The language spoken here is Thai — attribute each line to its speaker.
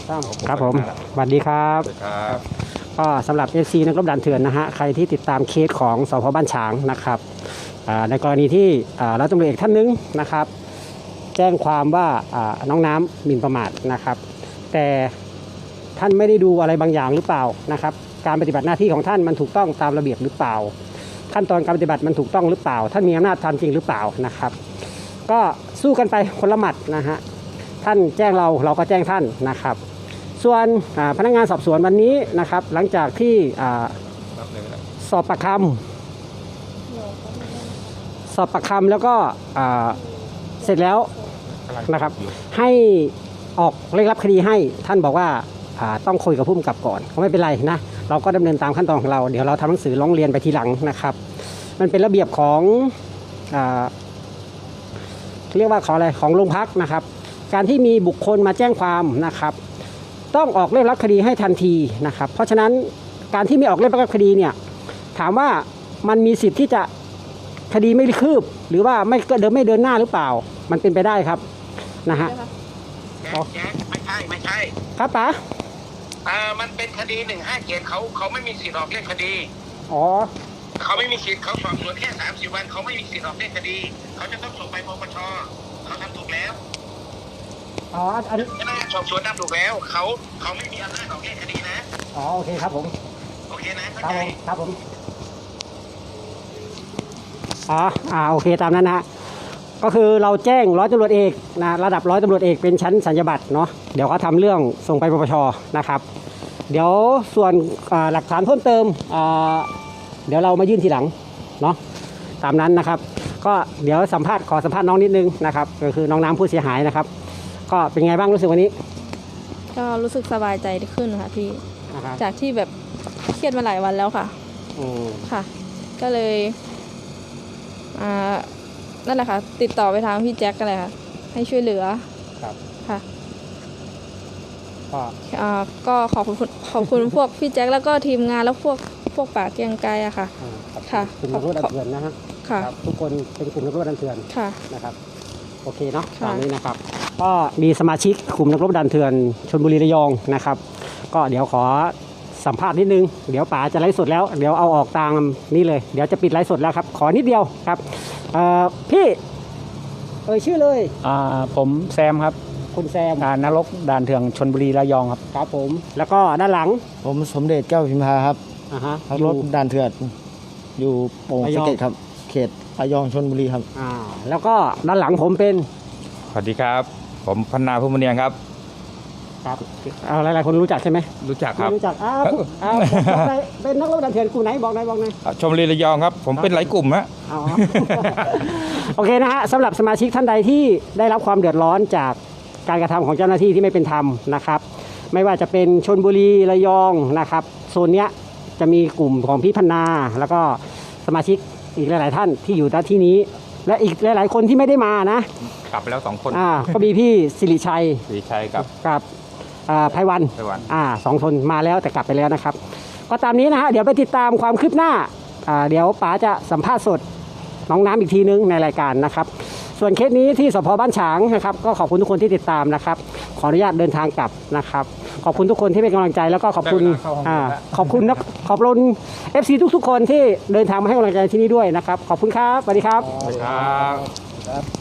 Speaker 1: ครับผมสวัสดีครับก็สำหรับ FC นักรบด่านเถื่อนนะฮะใครที่ติดตามเคสของสพ.บ้านฉางนะครับในกรณีที่ร้อยตำรวจเอกท่านนึงนะครับแจ้งความว่าน้องน้ำหมิ่นประมาทนะครับแต่ท่านไม่ได้ดูอะไรบางอย่างหรือเปล่านะครับการปฏิบัติหน้าที่ของท่านมันถูกต้องตามระเบียบหรือเปล่าขั้นตอนการปฏิบัติมันถูกต้องหรือเปล่าท่านมีอำนาจทำจริงหรือเปล่านะครับก็สู้กันไปคนละหมัดนะฮะท่านแจ้งเราก็แจ้งท่านนะครับส่วนพนักงานสอบสวนวันนี้นะครับหลังจากที่สอบปากคำแล้วก็เสร็จแล้วนะครับให้ออกเร่งรับคดีให้ท่านบอกว่าต้องคุยกับผู้กำกับก่อนก็ไม่เป็นไรนะเราก็ดำเนินตามขั้นตอนของเราเดี๋ยวเราทำหนังสือร้องเรียนไปทีหลังนะครับมันเป็นระเบียบของเรียกว่าของโรงพักนะครับการที่มีบุคคลมาแจ้งความนะครับต้องออกเร่งรับคดีให้ทันทีนะครับเพราะฉะนั้นการที่ไม่ออกเร่งรับคดีเนี่ยถามว่ามันมีสิทธิ์ที่จะคดีไม่คืบหรือว่าไม่เดินหน้าหรือเปล่ามันเป็นไปได้ครับนะฮะ
Speaker 2: ไม่ใช่
Speaker 1: ครับป๋า
Speaker 2: มันเป็นคดี157เขาไม่มีสิทธิ์ออกเล่นคดี
Speaker 1: อ๋อ
Speaker 2: เขาไม่มีสิทธิ์เขาสอบสวนแค่30 วันเขาไม่มีสิทธิ์ออกเล่นคดีเขาจะต้องส่งไปปปชเขาทำถูกแล้ว
Speaker 1: อ๋ออันนี้
Speaker 2: พนักงานสอบสวนทำถูกแล้วเขาไม่มีอำนาจออกเล่นคดีนะ
Speaker 1: อ๋อโอเคครับผม
Speaker 2: โอเคนะครับ
Speaker 1: ผมโอเคตามนั้นนะก็คือเราแจ้งร้อยตำรวจเอกนะระดับร้อยตำรวจเอกเป็นชั้นสัญญาบัตรเนาะเดี๋ยวเขาทำเรื่องส่งไปปปชนะครับเดี๋ยวส่วนหลักฐานเพิ่มเติมเดี๋ยวเรามายื่นทีหลังเนาะตามนั้นนะครับก็เดี๋ยวขอสัมภาษณ์น้องนิดนึงนะครับก็คือน้องน้ำผู้เสียหายนะครับก็เป็นไงบ้างรู้สึกวันนี้
Speaker 3: ก็รู้สึกสบายใจขึ้นค่ะพี่จากที่แบบเครียดมาหลายวันแล้วค่ะค่ะก็เลยนั่นแหละค่ะติดต่อไปทางพี่แจ็คกันเลยค่ะให้ช่วยเหลือ
Speaker 1: ครับ
Speaker 3: ค่ะก็ขอบคุณพวกพี่แจ็คแล้วก็ทีมงานแล้วพวกป่าเกียงไกรอะค่ะ
Speaker 1: ค่ะกลุ่มนักรบด่านเถื่อนนะฮะ
Speaker 3: ค่ะ
Speaker 1: ทุกคนเป็นกลุ่มนักรบด่านเถื่อน
Speaker 3: ค่ะ
Speaker 1: นะครับโอเคเนาะตามนี้นะครับก็มีสมาชิกกลุ่มนักรบด่านเถื่อนชลบุรีระยองนะครับก็เดี๋ยวขอสัมภาษณ์นิดนึงเดี๋ยวป๋าจะไลฟ์สดแล้วเดี๋ยวเอาออกตามนี่เลยเดี๋ยวจะปิดไลฟ์สดแล้วครับขอนิดเดียวครับพี่ชื่อเลย
Speaker 4: ผมแซมครับ
Speaker 1: คุณแซม
Speaker 4: นรกด่านเถื่อนชลบุรีระยองครับ
Speaker 1: ครับผมแล้วก็ด้านหลัง
Speaker 4: ผมสมเด็จแก้วพิมพาครับรถด่านเถื่อนอยู่โป่งสะเก็ดครับเขตระยองชลบุรีครับ
Speaker 1: แล้วก็ด้านหลังผมเป็น
Speaker 5: สวัสดีครับผมพันนาภูมิเนียงครับ
Speaker 1: ครับหลายๆคนรู้จักใช่ไหม
Speaker 5: รู้จักครับ
Speaker 1: รู้จักเป็นนักรบด่านเถื่อนกลุ่มไหนบอกหน่อย
Speaker 5: ชลบุรีระยองครับผมเป็นหลายกลุ่มฮะ
Speaker 1: โอเคนะฮะสำหรับสมาชิกท่านใดที่ได้รับความเดือดร้อนจากการกระทำของเจ้าหน้าที่ที่ไม่เป็นธรรมนะครับไม่ว่าจะเป็นชลบุรีระยองนะครับโซนเนี้ยจะมีกลุ่มของพี่พันนาแล้วก็สมาชิกอีกหลายๆท่านที่อยู่ณที่นี้และอีกหลายๆคนที่ไม่ได้มานะ
Speaker 5: กลับไปแล้ว2 คน
Speaker 1: ก็มีพี่สิริชัยกับไพวัน2 คนมาแล้วแต่กลับไปแล้วนะครับก็ตามนี้นะฮะเดี๋ยวไปติดตามความคืบหน้าเดี๋ยวป๋าจะสัมภาษณ์สดน้องน้ำอีกทีนึงในรายการนะครับส่วนเคสนี้ที่สพ.บ้านฉางนะครับก็ขอบคุณทุกคนที่ติดตามนะครับขออนุญาตเดินทางกลับนะครับขอบคุณทุกคนที่เป็นกำลังใจแล้วก็ขอบคุณFC ทุกๆคนที่เดินทางมาให้กำลังใจที่นี่ด้วยนะครับขอบคุณครับสวัสดีครับ